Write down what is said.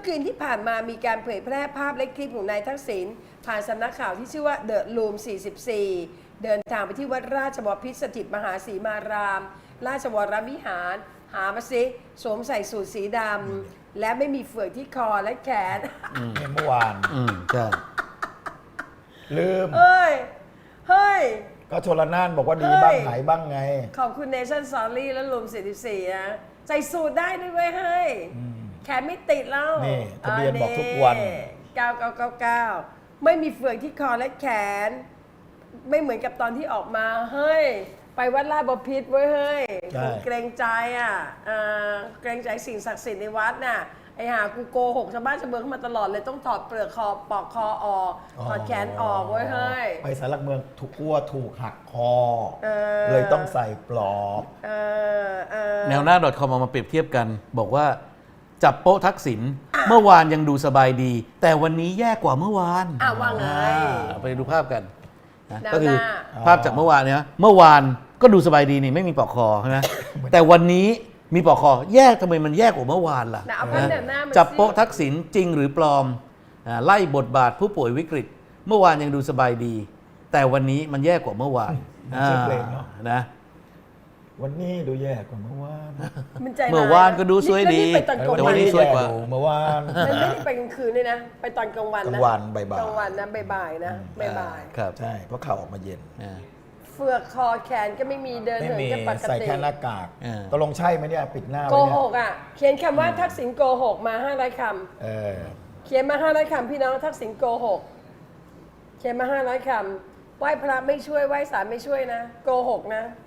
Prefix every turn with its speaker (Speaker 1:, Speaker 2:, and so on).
Speaker 1: คืนที่ผ่านมามีการเผยแพร่ภาพและคลิปของนายทักษิณผ่านสำนักข่าวที่ชื่อว่าเดอะลูม 44 เดินทางไปที่วัดราชบพิตรสถิตมหาสีมาราม ราชวรวิหาร หามาสิสวมใส่สูทสีดำและไม่มีเฟือกที่คอและแขน
Speaker 2: เนี่ยเมื่อวาน
Speaker 3: ใช่
Speaker 2: ลืม
Speaker 1: เฮ้ย เฮ้ย
Speaker 2: ก็ชลน่านบอกว่าดี
Speaker 1: เฮ้ย
Speaker 2: บ้างไหนบ้างไง
Speaker 1: ขอบคุณเนชั่นซอรี่และลูม 44 นะ ใส่สูทได้ด้วยเว้ยเฮ้ย แขนไม่ติดแล้ว
Speaker 2: นี่ทะเบียนบอกทุกวัน
Speaker 1: 9999 ไม่มีเฟือกที่คอและแขน ไม่เหมือนกับตอนที่ออกมา เฮ้ย ไปวัดลาดบพิตรเว้ยเฮ้ย
Speaker 2: ใช่
Speaker 1: เกรงใจอ่ะเกรงใจสิ่งศักดิ์สิทธิ์ในวัดน่ะ ไอ้หากูโกหกชาวบ้านชาวเมืองเข้ามาตลอดเลยต้องถอดเปลือกคอปอกคอออกถอดแขนออกเว้ยเฮ้ย
Speaker 2: ไปสารหลักเมืองถูกกลัวถูกหักคอ
Speaker 1: เออ
Speaker 2: เลยต้องใส่ปลอก
Speaker 3: แนวหน้า .com เอามาเปรียบเทียบกัน บอกว่าจับโป๊ะทักษิณเมื่อวานยังดูสบายดี แต่วันนี้แย่กว่าเมื่อวาน
Speaker 1: ว่าไง
Speaker 3: ไปดูภาพกันนะ
Speaker 1: แนวหน้า
Speaker 3: ก็คือภาพจากเมื่อวานเนี่ยเมื่อวานก็ดูสบายดีนี่ไม่มีปลอกคอใช่ไหม แต่วันนี้มีปลอกคอแยกทำไมมันแยกกว่าเมื่อวานล่ะ
Speaker 1: เอาภาพแนวหน้ามาสิ
Speaker 3: จับโป๊ะทักษิณจริงหรือปลอมไล่บทบาทผู้ป่วยวิกฤต เมื่อวานยังดูสบายดี แต่วันนี้มันแย่กว่าเมื่อวาน
Speaker 2: ชื่อเพลงเนาะ
Speaker 3: นะ
Speaker 2: วันนี้ดูแย่กว่าเมื่อวาน
Speaker 1: มันใจร้ย
Speaker 3: เมื่อวานก็ดูสวยดี
Speaker 1: นี่ไปตอนกลาง
Speaker 3: แต่
Speaker 1: วั
Speaker 3: วัน นนี้ สวยกว่า
Speaker 2: เมื่อวาน
Speaker 1: มันไม่ได้ไปกลางคืนเลยนะ ไปตอนกลางวัน
Speaker 2: กลา
Speaker 1: นะ
Speaker 2: งวันบ่ายๆ
Speaker 1: กลางวันนะบ่ายๆนะบ่าย
Speaker 3: ครับ
Speaker 2: ใช่เพราะข่าวออกมาเย็น
Speaker 3: อ่า
Speaker 1: ๆเฟือกคอแขนก็ไม่มีเดิน
Speaker 2: ไม่
Speaker 1: เหิน
Speaker 2: มี
Speaker 1: ก็ปก
Speaker 2: ใส่
Speaker 1: ติ
Speaker 2: แค่หน้ากาก
Speaker 3: เออ
Speaker 2: ตกลงใช่ไหมเนี่ยปิดหน้า
Speaker 1: โก
Speaker 2: ไว้เนี่
Speaker 1: ห
Speaker 2: ย
Speaker 1: กอ่ะ เขียนคำว่าทักษิณโกหกมา500ค
Speaker 2: เออ
Speaker 1: ำเขียนมา500คำพี่น้องทักษิณโกหกเขียนมา500คำไหว้พระไม่ช่วยไหว้ศาลไม่ช่วยนะโกหกนะ